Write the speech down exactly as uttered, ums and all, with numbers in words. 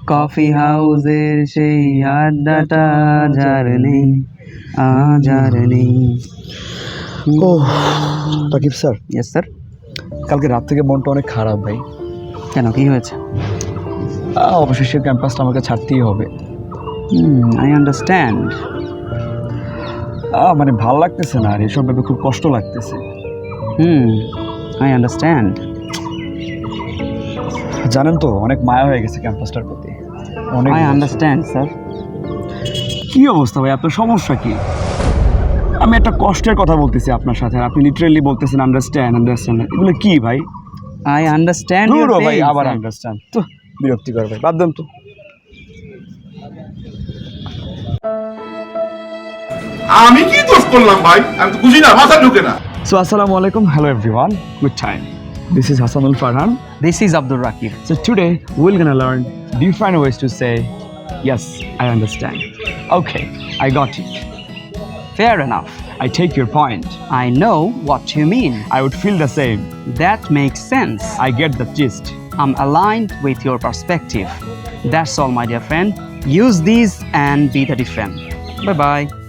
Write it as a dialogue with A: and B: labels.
A: Coffee হাউসের সেই আড্ডাটা যার নেই, আজ আর নেই।
B: ও রাকিব স্যার,
A: ইয়েস স্যার।
B: কালকে রাত থেকে মনটা অনেক খারাপ ভাই।
A: কেন, কি হয়েছে?
B: আহ, অবশেষে ক্যাম্পাসটা আমাকে ছাড়তেই হবে।
A: হুম, আই আন্ডারস্ট্যান্ড।
B: আহ, মানে ভাল লাগতেছে না, আর এসব ভেবে খুব কষ্ট লাগতেছে।
A: হুম, আই আন্ডারস্ট্যান্ড।
B: জানেন তো, অনেক মায়া হয়ে গেছে ক্যাম্পাসটার প্রতি। অনেক
A: আই আন্ডারস্ট্যান্ড স্যার।
B: কি অবস্থা ভাই, আপনার সমস্যা কি? আমি একটা কষ্টের কথা বলতেছি আপনার সাথে, আর আপনি লিটারেলি বলতেছেন আন্ডারস্ট্যান্ড আন্ডারস্ট্যান্ড। এগুলো কি ভাই?
A: আই আন্ডারস্ট্যান্ড ইউর
B: ধুরো ভাই,
A: পেইন।
B: আবার আন্ডারস্ট্যান্ড তো বিরক্তিকর ভাই, বাদ দেন তো।
C: আমি কি দোষ করলাম ভাই? আমি তো বুঝি না, মাথা ঢুকে না।
B: সো আসসালামু আলাইকুম, hello everyone, good time. This is Hassanul Farhan.
A: This is Abdul Rakib.
B: So today we're gonna learn different ways to say yes, I understand. Okay, I got it.
A: Fair enough.
B: I take your point.
A: I know what you mean.
B: I would feel the same.
A: That makes sense.
B: I get the gist.
A: I'm aligned with your perspective. That's all, my dear friend. Use these and be the different. Bye bye.